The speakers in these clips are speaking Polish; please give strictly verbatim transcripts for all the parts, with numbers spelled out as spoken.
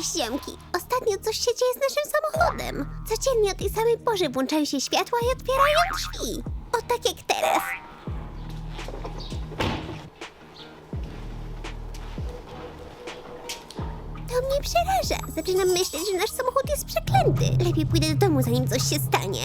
Cześć, ziomki. Ostatnio coś się dzieje z naszym samochodem. Codziennie o tej samej porze włączają się światła i otwierają drzwi. O tak jak teraz. To mnie przeraża. Zaczynam myśleć, że nasz samochód jest przeklęty. Lepiej pójdę do domu, zanim coś się stanie.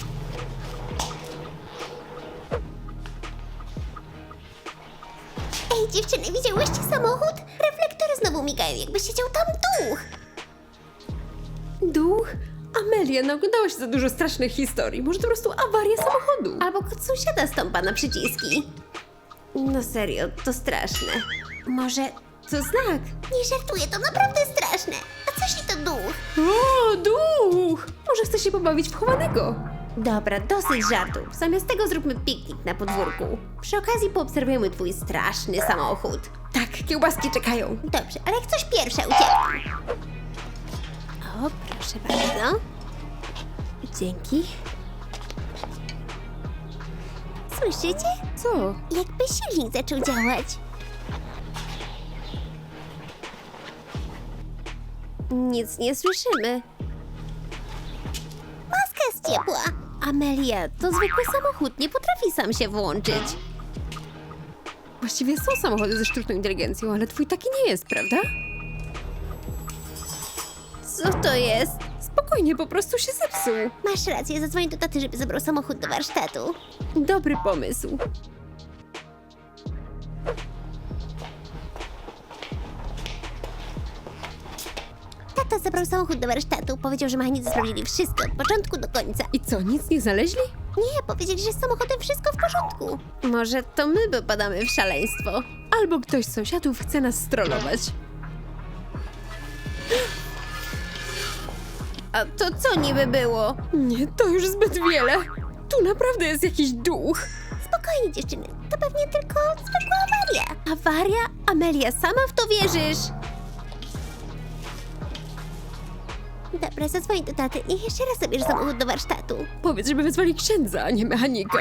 Ej, dziewczyny, widziałyście samochód? Reflektory znowu migają, jakby siedział tam duch. Duch? Amelia, naoglądałaś za dużo strasznych historii. Może to po prostu awaria samochodu. Albo kot sąsiada stąpa na przyciski. No serio, to straszne. Może to znak? Nie żartuję, to naprawdę straszne. A co jeśli to duch? O, duch! Może chce się pobawić w chowanego? Dobra, dosyć żartów. Zamiast tego zróbmy piknik na podwórku. Przy okazji poobserwujemy twój straszny samochód. Tak, kiełbaski czekają. Dobrze, ale jak coś pierwsza uciekam. O, proszę bardzo. Dzięki. Słyszycie? Co? Jakby silnik zaczął działać. Nic nie słyszymy. Maska jest ciepła. Amelia, to zwykły samochód, nie potrafi sam się włączyć. Właściwie są samochody ze sztuczną inteligencją, ale twój taki nie jest, prawda? Co to jest? Spokojnie, po prostu się zepsuł. Masz rację, zadzwonię do taty, żeby zabrał samochód do warsztatu. Dobry pomysł. Tata zabrał samochód do warsztatu, powiedział, że mechanicy sprawdzili wszystko od początku do końca. I co, nic nie znaleźli? Nie, powiedzieli, że z samochodem wszystko w porządku. Może to my popadamy w szaleństwo. Albo ktoś z sąsiadów chce nas strollować. A to co niby było? Nie, to już zbyt wiele. Tu naprawdę jest jakiś duch. Spokojnie, dziewczyny, to pewnie tylko zwykła awaria. Awaria? Amelia, sama w to wierzysz? Dobra, zadzwoń do taty. Niech jeszcze raz zabierze samochód do warsztatu. Powiedz, żeby wezwali księdza, a nie mechanika.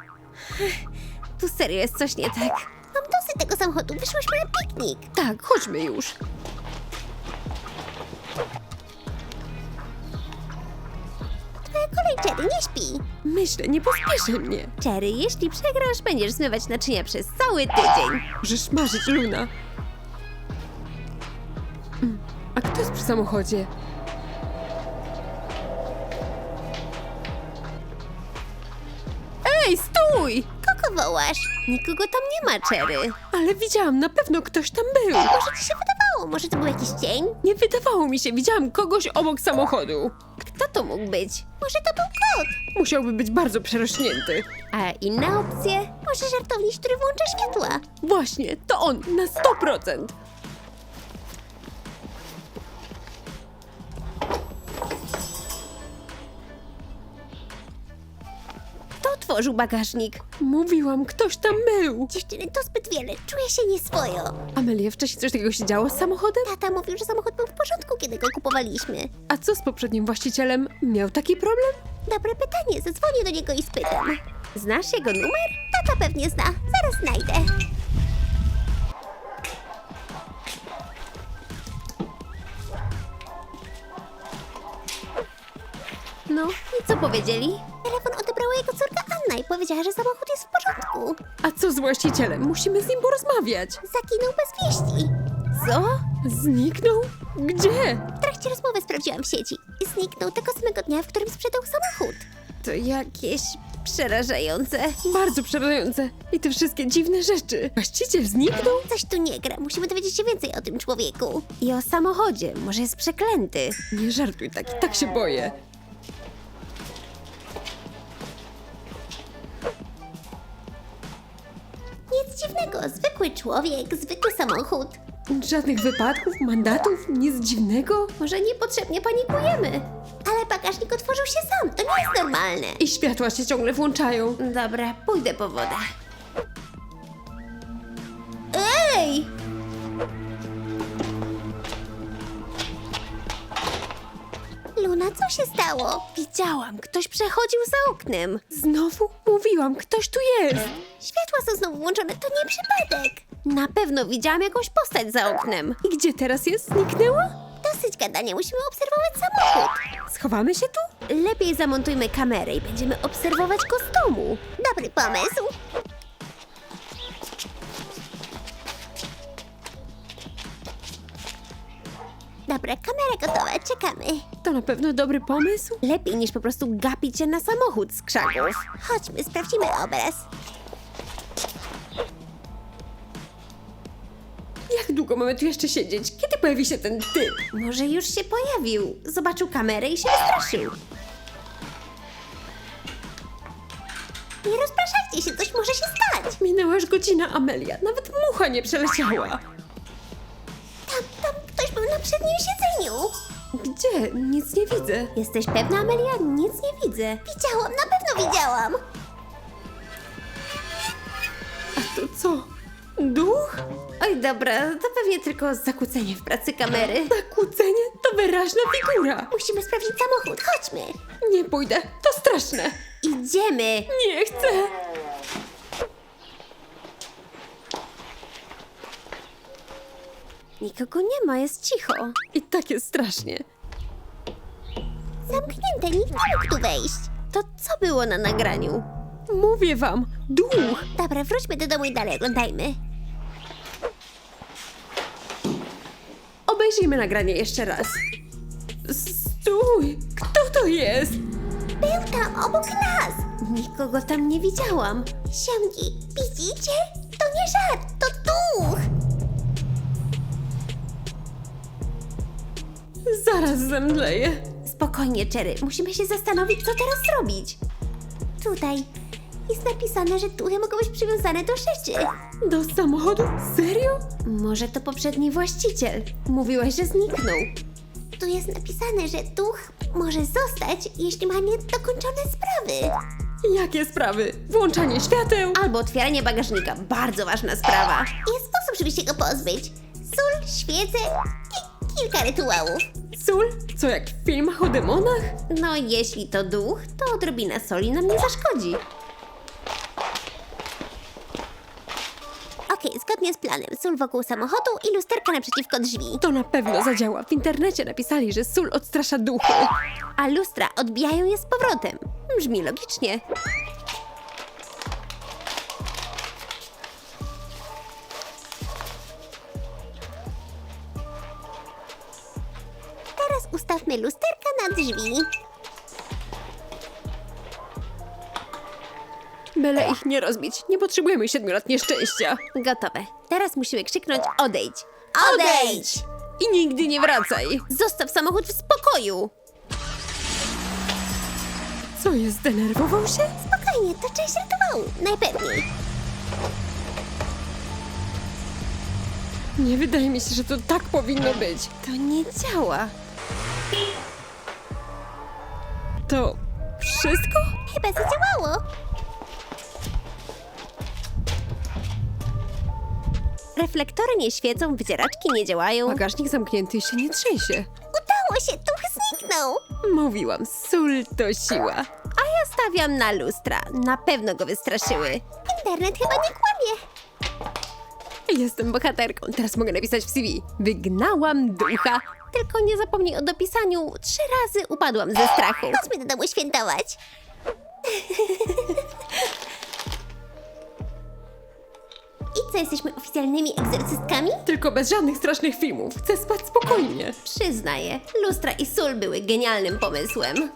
Tu serio jest coś nie tak. Mam dosyć tego samochodu, wyszłyśmy na piknik. Tak, chodźmy już. Twoja kolej, Cherry, nie śpi. Myślę, nie pospieszę mnie. Cherry, jeśli przegrasz, będziesz zmywać naczynia przez cały tydzień. Możesz marzyć, Luna. Mm, A kto jest przy samochodzie? Ej, stój! Kogo wołasz? Nikogo tam nie ma, Cherry. Ale widziałam, na pewno ktoś tam był. Może ci się wydawało, może to był jakiś cień? Nie wydawało mi się, widziałam kogoś obok samochodu. Kto to mógł być? Może to był kot? Musiałby być bardzo przerośnięty. A inna opcja? Może żartownik, który włącza światła? Właśnie, to on, na sto procent. Kto otworzył bagażnik? Mówiłam, ktoś tam był. Dziewczyny, to zbyt wiele, czuję się nieswojo. Amelia, wcześniej coś takiego się działo z samochodem? Tata mówił, że samochód był w porządku, kiedy go kupowaliśmy. A co z poprzednim właścicielem? Miał taki problem? Dobre pytanie, zadzwonię do niego i spytam. Znasz jego numer? Tata pewnie zna, zaraz znajdę. No, i co powiedzieli? Telefon odebrała jego córka Anna i powiedziała, że samochód jest w porządku. A co z właścicielem? Musimy z nim porozmawiać. Zaginął bez wieści. Co? Zniknął? Gdzie? W trakcie rozmowy sprawdziłam w sieci i zniknął tego samego dnia, w którym sprzedał samochód. To jakieś przerażające. Bardzo przerażające. I te wszystkie dziwne rzeczy. Właściciel zniknął? Coś tu nie gra, musimy dowiedzieć się więcej o tym człowieku. I o samochodzie, może jest przeklęty. Nie żartuj tak, i tak się boję. Nic dziwnego, zwykły człowiek, zwykły samochód. Żadnych wypadków, mandatów, nic dziwnego? Może niepotrzebnie panikujemy. Ale bagażnik otworzył się sam, to nie jest normalne. I światła się ciągle włączają. Dobra, pójdę po wodę. Ej! Luna, co się stało? Widziałam, ktoś przechodził za oknem. Znowu? Mówiłam, ktoś tu jest. Światła są znowu włączone, to nie przypadek. Na pewno widziałam jakąś postać za oknem. I gdzie teraz jest? Zniknęła? Dosyć gadania, musimy obserwować samochód. Schowamy się tu? Lepiej zamontujmy kamerę i będziemy obserwować go z domu. Dobry pomysł. Dobra, kamera gotowa, czekamy. To na pewno dobry pomysł. Lepiej niż po prostu gapić się na samochód z krzaków. Chodźmy, sprawdzimy obraz. Jak długo mamy tu jeszcze siedzieć? Kiedy pojawi się ten typ? Może już się pojawił. Zobaczył kamerę i się wystraszył. Nie rozpraszajcie się, coś może się stać. Minęła już godzina, Amelia. Nawet mucha nie przeleciała. Tam, tam ktoś był na przednim siedzeniu. Gdzie? Nic nie widzę. Jesteś pewna, Amelia? Nic nie widzę. Widziałam, na pewno widziałam. A to co? Duch? Oj, dobra, to pewnie tylko zakłócenie w pracy kamery. Zakłócenie? To wyraźna figura. Musimy sprawdzić samochód, chodźmy. Nie pójdę, to straszne. Idziemy. Nie chcę. Nikogo nie ma, jest cicho. I tak jest strasznie. Zamknięte, nikt nie mógł tu wejść. To co było na nagraniu? Mówię wam, duch. Dobra, wróćmy do domu i dalej oglądajmy. Obejrzyjmy nagranie jeszcze raz. Stój! Kto to jest? Był tam, obok nas. Nikogo tam nie widziałam. Siemki, widzicie? To nie żart, to duch. Zaraz zemdleję. Spokojnie, Cherry, musimy się zastanowić, co teraz zrobić. Tutaj jest napisane, że duchy mogą być przywiązane do rzeczy. Do samochodu? Serio? Może to poprzedni właściciel. Mówiłaś, że zniknął. Tu jest napisane, że duch może zostać, jeśli ma niedokończone sprawy. Jakie sprawy? Włączanie świateł? Albo otwieranie bagażnika. Bardzo ważna sprawa. Jest sposób, żeby się go pozbyć. Sól, świece i kilka rytuałów. Sól? Co, jak w filmach o demonach? No, jeśli to duch, to odrobina soli nam nie zaszkodzi. Okej, zgodnie z planem. Sól wokół samochodu i lusterka naprzeciwko drzwi. To na pewno zadziała. W internecie napisali, że sól odstrasza duchy. A lustra odbijają je z powrotem. Brzmi logicznie. Teraz ustawmy lusterka na drzwi. Byle ich nie rozbić. Nie potrzebujemy siedmiu lat nieszczęścia. Gotowe. Teraz musimy krzyknąć odejdź. Odejdź! I nigdy nie wracaj. Zostaw samochód w spokoju. Co jest, zdenerwował się? Spokojnie, to część rytuału. Najpewniej. Nie wydaje mi się, że to tak powinno być. To nie działa. To wszystko? Chyba zadziałało. Reflektory nie świecą, wycieraczki nie działają. Bagażnik zamknięty i się nie trzęsie. Udało się, duch zniknął. Mówiłam, sól to siła. A ja stawiam na lustra. Na pewno go wystraszyły. Internet chyba nie kłamie. Jestem bohaterką. Teraz mogę napisać w C V. Wygnałam ducha. Tylko nie zapomnij o dopisaniu. Trzy razy upadłam ze strachu. Chodźmy do domu świętować. I co, jesteśmy oficjalnymi egzorcystkami? Tylko bez żadnych strasznych filmów. Chcę spać spokojnie. Przyznaję, lustra i sól były genialnym pomysłem.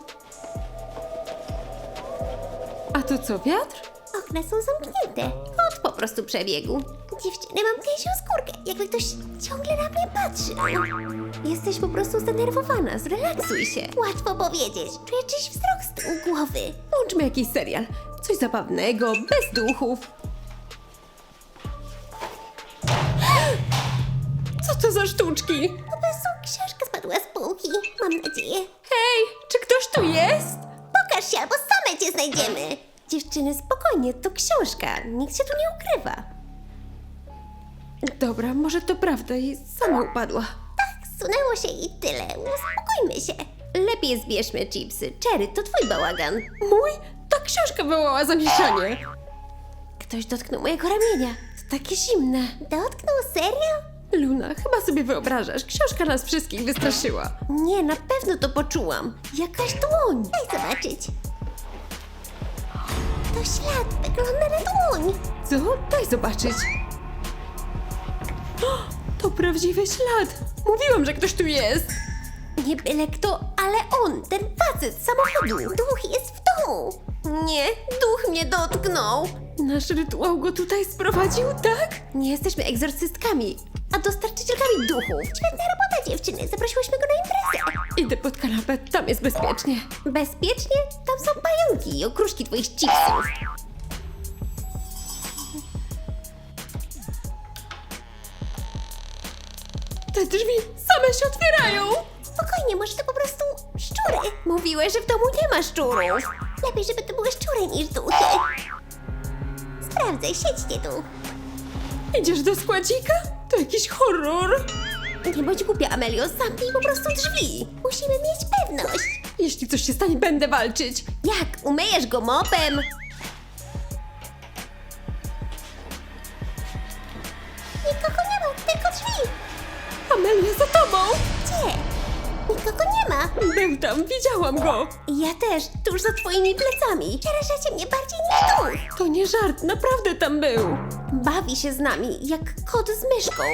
A to co, wiatr? Okna są zamknięte. Kot po prostu przebiegł. Dziewczyny, mam gęsią skórkę, jakby ktoś ciągle na mnie patrzył. Jesteś po prostu zdenerwowana, zrelaksuj się. Łatwo powiedzieć, czuję czyjś wzrok z tyłu głowy. Włączmy jakiś serial. Coś zabawnego, bez duchów. Co to za sztuczki? Po prostu książka spadła z półki, mam nadzieję. Hej, czy ktoś tu jest? Pokaż się, albo same cię znajdziemy. Dziewczyny, spokojnie, to książka, nikt się tu nie ukrywa. Dobra, może to prawda i sama upadła. Tak, zsunęło się i tyle, uspokójmy się. Lepiej zbierzmy chipsy. Cherry, to twój bałagan. Mój? Ta książka wywołała zamieszanie. Ktoś dotknął mojego ramienia. To takie zimne. Dotknął? Serio? Luna, chyba sobie wyobrażasz, książka nas wszystkich wystraszyła. Nie, na pewno to poczułam. Jakaś dłoń. Daj zobaczyć. To ślad, wygląda na dłoń. Co? Daj zobaczyć. O, to prawdziwy ślad. Mówiłam, że ktoś tu jest. Nie byle kto, ale on, ten facet z samochodu. Duch jest w domu. Nie, duch mnie dotknął. Nasz rytuał go tutaj sprowadził, tak? Nie jesteśmy egzorcystkami, a dostarczycielkami duchów. Świetna robota, dziewczyny. Zaprosiłyśmy go na imprezę. Idę pod kanapę, tam jest bezpiecznie. Bezpiecznie? Tam są pająki i okruszki twoich chipsów. Te drzwi same się otwierają. Spokojnie, może to po prostu szczury. Mówiłeś, że w domu nie ma szczurów. Lepiej, żeby to były szczury niż duchy. Sprawdzę, siedźcie tu. Idziesz do składzika? To jakiś horror. Nie bądź głupia, Amelio, zamknij po prostu drzwi. Musimy mieć pewność. Jeśli coś się stanie, będę walczyć. Jak? Umyjesz go mopem? Nikogo nie ma, tylko drzwi. Amelia, za tobą. Gdzie? Nikogo nie ma. Był tam, widziałam go. Ja też, tuż za twoimi plecami. Przerażacie mnie bardziej niż duch. To nie żart, naprawdę tam był. Bawi się z nami, jak kot z myszką.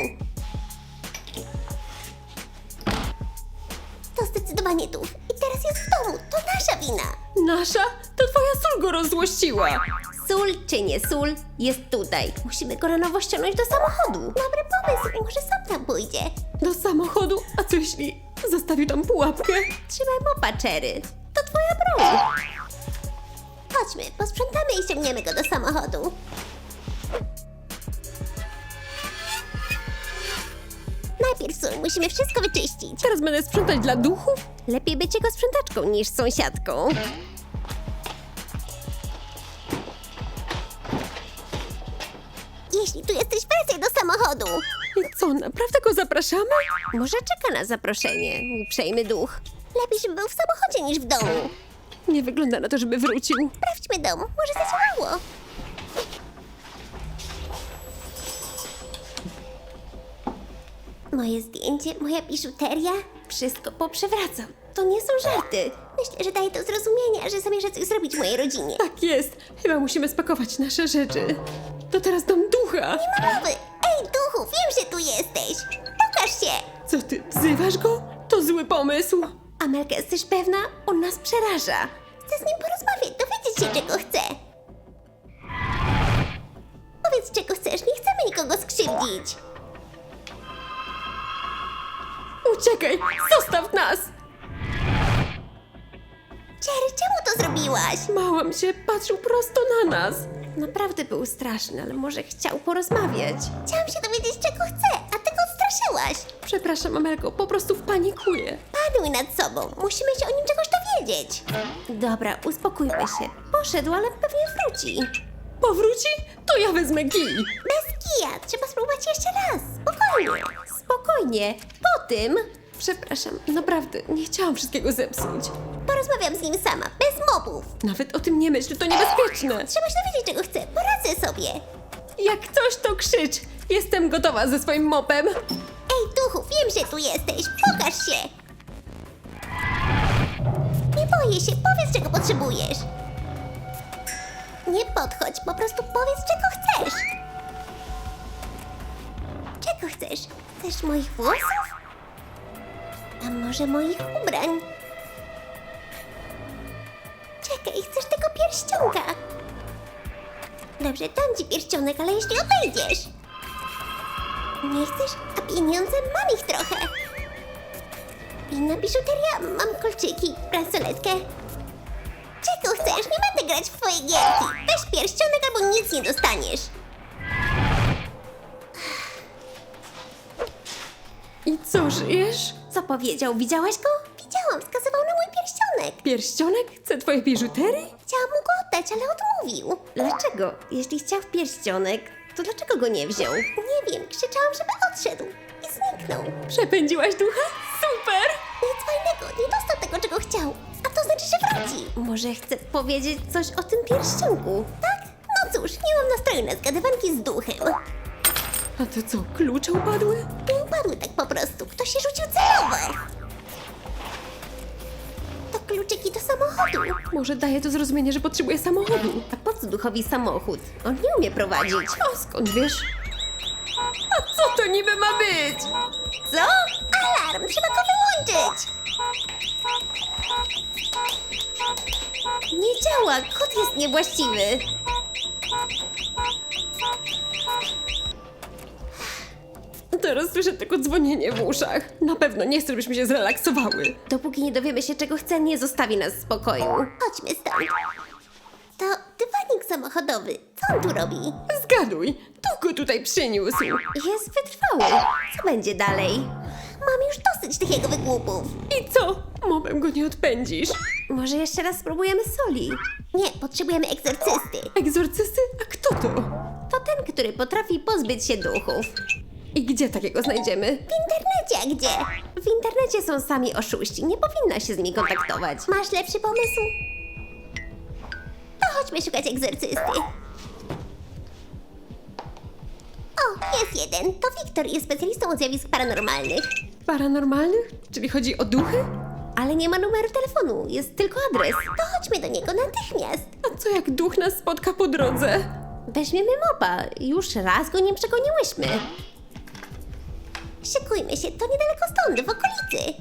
To zdecydowanie duch. I teraz jest w domu. To nasza wina. Nasza? To twoja sól go rozzłościła. Sól czy nie sól, jest tutaj. Musimy go na nowo ściągnąć do samochodu. Dobry pomysł, może sam tam pójdzie. Do samochodu? A co jeśli zostawił tam pułapkę? Trzymaj mopa, Cherry. To twoja broń. Chodźmy, posprzątamy i ściągniemy go do samochodu. Najpierw sól, musimy wszystko wyczyścić. Teraz będę sprzątać dla duchów? Lepiej być jego sprzątaczką niż sąsiadką. Jeśli tu jesteś, wracaj do samochodu. I co, naprawdę go zapraszamy? Może czeka na zaproszenie, uprzejmy duch. Lepiej, żeby był w samochodzie niż w domu. Nie wygląda na to, żeby wrócił. Sprawdźmy dom, może zadziałało. Moje zdjęcie, moja biżuteria, wszystko poprzewracam. To nie są żarty. Myślę, że daje to zrozumienia, że zamierza coś zrobić mojej rodzinie. Tak jest. Chyba musimy spakować nasze rzeczy. To teraz dom ducha. Mowy! Ej, duchu, wiem, że tu jesteś. Pokaż się! Co ty, wzywasz go? To zły pomysł. Amelka, jesteś pewna? On nas przeraża. Chcę z nim porozmawiać, dowiedzieć się, czego chce. Powiedz, czego chcesz, nie chcemy nikogo skrzywdzić. Uciekaj, zostaw nas! Cherry, czemu to zrobiłaś? Małam się, patrzył prosto na nas. Naprawdę był straszny, ale może chciał porozmawiać. Chciałam się dowiedzieć, czego chce, a ty go odstraszyłaś. Przepraszam, Amelko, po prostu wpanikuję. Panuj nad sobą, musimy się o nim czegoś dowiedzieć. Dobra, uspokójmy się. Poszedł, ale pewnie wróci. Powróci? To ja wezmę kij. Bez kija, trzeba spróbować jeszcze raz. Spokojnie. Spokojnie. Po tym Przepraszam, naprawdę, nie chciałam wszystkiego zepsuć. porozmawiam z nim sama, bez mobów. Nawet o tym nie myśl, to niebezpieczne. Trzeba się dowiedzieć, czego chce. Poradzę sobie. Jak coś, to krzycz. Jestem gotowa ze swoim mopem. Ej, duchu, wiem, że tu jesteś. Pokaż się. Nie boję się, powiedz, czego potrzebujesz. Nie podchodź, po prostu powiedz, czego chcesz. Czego chcesz? Chcesz moich włosów? A może moich ubrań? Czekaj, chcesz tego pierścionka? Dobrze, dam ci pierścionek, ale jeśli odejdziesz. Nie chcesz? A pieniądze mam ich trochę. Inna biżuteria, mam kolczyki, bransoletkę. Czego chcesz? Nie będę grać w twoje gierki. Weź pierścionek albo nic nie dostaniesz. I co, żyjesz? Co powiedział? Widziałaś go? Widziałam, wskazywał na mój pierścionek. Pierścionek? Chce twojej biżuterii? Chciałam mu go oddać, ale odmówił. Dlaczego? Jeśli chciał pierścionek, to dlaczego go nie wziął? Nie wiem, krzyczałam, żeby odszedł. I zniknął. Przepędziłaś ducha? Super! Nic fajnego, nie dostał tego, czego chciał. A to znaczy, że wróci. Może chce powiedzieć coś o tym pierścionku? Tak? No cóż, nie mam nastroju na zgadywanki z duchem. A to co, klucze upadły? Nie upadły tak po prostu. Ktoś się rzucił celowo. To kluczyki do samochodu. Może daje to zrozumienie, że potrzebuje samochodu. A po co duchowi samochód? On nie umie prowadzić. A skąd wiesz? A co to niby ma być? Co? Alarm! Trzeba go wyłączyć! Nie działa! Kod jest niewłaściwy. Teraz słyszę tylko dzwonienie w uszach. Na pewno nie chcę, żebyśmy się zrelaksowały. Dopóki nie dowiemy się, czego chce, nie zostawi nas w spokoju. Chodźmy stąd. To dywanik samochodowy. Co on tu robi? Zgaduj, kto go tutaj przyniósł? Jest wytrwały. Co będzie dalej? Mam już dosyć tych jego wygłupów. I co? Mobem go nie odpędzisz. Może jeszcze raz spróbujemy soli? Nie, potrzebujemy egzorcysty. Egzorcysty? A kto to? To ten, który potrafi pozbyć się duchów. I gdzie takiego znajdziemy? W internecie, a gdzie? W internecie są sami oszuści. Nie powinna się z nimi kontaktować. Masz lepszy pomysł? To chodźmy szukać egzorcysty. O, jest jeden. To Wiktor, jest specjalistą od zjawisk paranormalnych. Paranormalnych? Czyli chodzi o duchy? Ale nie ma numeru telefonu, jest tylko adres. To chodźmy do niego natychmiast. A co jak duch nas spotka po drodze? Weźmiemy mopa. Już raz go nie przegoniłyśmy. Szykujmy się, to niedaleko stąd, w okolicy.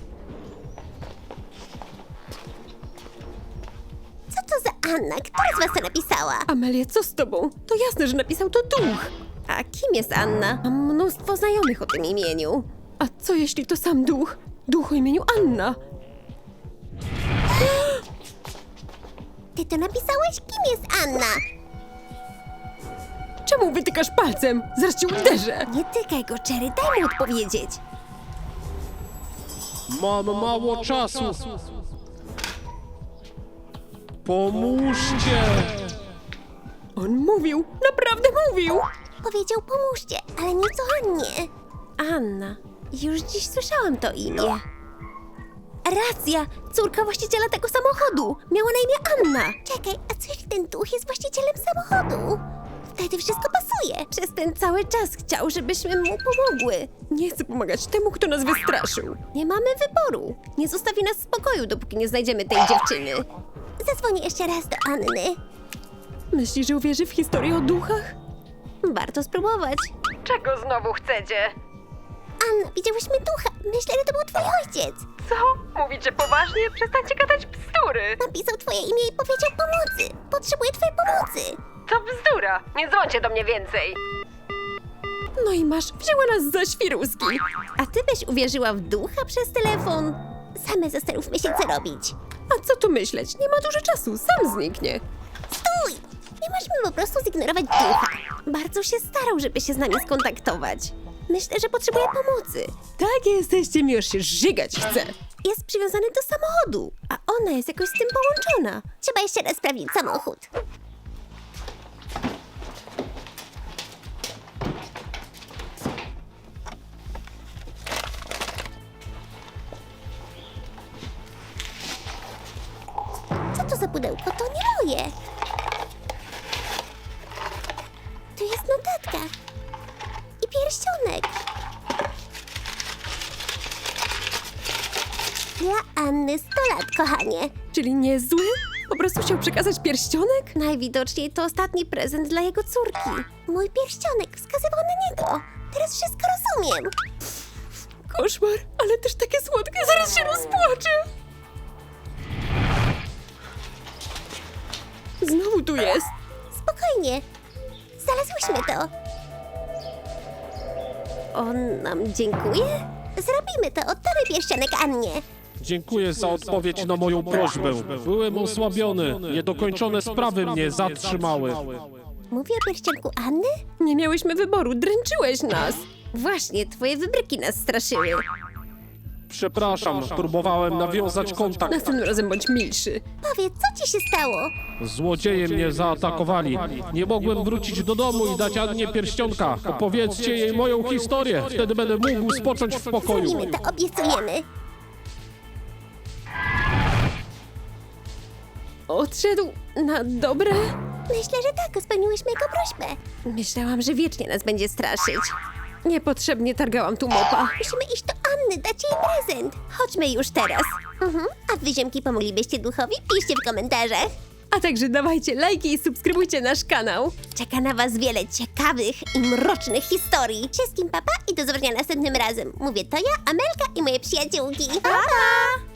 Co to za Anna? Która z was to napisała? Amelia, co z tobą? To jasne, że napisał to duch. A kim jest Anna? Mam mnóstwo znajomych o tym imieniu. A co jeśli to sam duch? Duch o imieniu Anna. Ty to napisałeś? Kim jest Anna? Czemu wytykasz palcem? Zaraz cię uderzę. Nie tykaj go, Cherry, daj mu odpowiedzieć. Mam mało czasu. Pomóżcie! On mówił, naprawdę mówił. Powiedział pomóżcie, ale nieco Annie. Anna. Już dziś słyszałam to imię. Racja! Córka właściciela tego samochodu! Miała na imię Anna! Czekaj, a co jeśli ten duch jest właścicielem samochodu? Wtedy wszystko pasuje. Przez ten cały czas chciał, żebyśmy mu pomogły. Nie chcę pomagać temu, kto nas wystraszył. Nie mamy wyboru. Nie zostawi nas w spokoju, dopóki nie znajdziemy tej dziewczyny. Zadzwonię jeszcze raz do Anny. Myślisz, że uwierzy w historię o duchach? Warto spróbować. Czego znowu chcecie? Anna, widziałyśmy ducha. Myślę, że to był twój ojciec. Co? Mówicie poważnie? Przestańcie gadać bzdury. Napisał twoje imię i powiedział pomocy. Potrzebuję twojej pomocy. To bzdura. Nie dzwońcie do mnie więcej. No i masz, wzięła nas za świruski. A ty byś uwierzyła w ducha przez telefon? Same zastanówmy się, co robić. A co tu myśleć? Nie ma dużo czasu, sam zniknie. Stój! Nie możemy po prostu zignorować ducha. Bardzo się starał, żeby się z nami skontaktować. Myślę, że potrzebuje pomocy. Tak jesteście, mi już się żygać chce. Jest przywiązany do samochodu, a ona jest jakoś z tym połączona. Trzeba jeszcze raz sprawdzić samochód. Co to za pudełko? To nie moje. Tu jest notatka. I pierścionek. Dla Anny sto lat, kochanie. Czyli nie zły? Po prostu chciał przekazać pierścionek? Najwidoczniej to ostatni prezent dla jego córki. Mój pierścionek wskazywał na niego. Teraz wszystko rozumiem. Koszmar, ale też takie słodkie, zaraz się rozpłaczę. Znowu tu jest. Spokojnie. Znalazłyśmy to. On nam dziękuje? Zrobimy to. Oddamy pierścionek Annie. Dziękuję za odpowiedź na moją prośbę. Byłem osłabiony. Niedokończone sprawy mnie zatrzymały. Mówi o pierścionku Anny? Nie miałyśmy wyboru, dręczyłeś nas. Właśnie, twoje wybryki nas straszyły. Przepraszam, próbowałem nawiązać kontakt. Następnym razem bądź milszy. Powiedz, co ci się stało? Złodzieje mnie zaatakowali. Nie mogłem wrócić do domu i dać Annie pierścionka. Opowiedzcie jej moją historię. Wtedy będę mógł spocząć w spokoju. Zrobimy to, obiecujemy. Odszedł na dobre? Myślę, że tak, spełniłyśmy jego prośbę. Myślałam, że wiecznie nas będzie straszyć. Niepotrzebnie targałam tu mopa. Musimy iść do Anny, dać jej prezent. Chodźmy już teraz. Mhm. A wy, ziomki, pomoglibyście duchowi? Piszcie w komentarzach. A także dawajcie lajki i subskrybujcie nasz kanał. Czeka na was wiele ciekawych i mrocznych historii. Wszystkim papa i do zobaczenia następnym razem. Mówię to ja, Amelka i moje przyjaciółki. Pa, pa!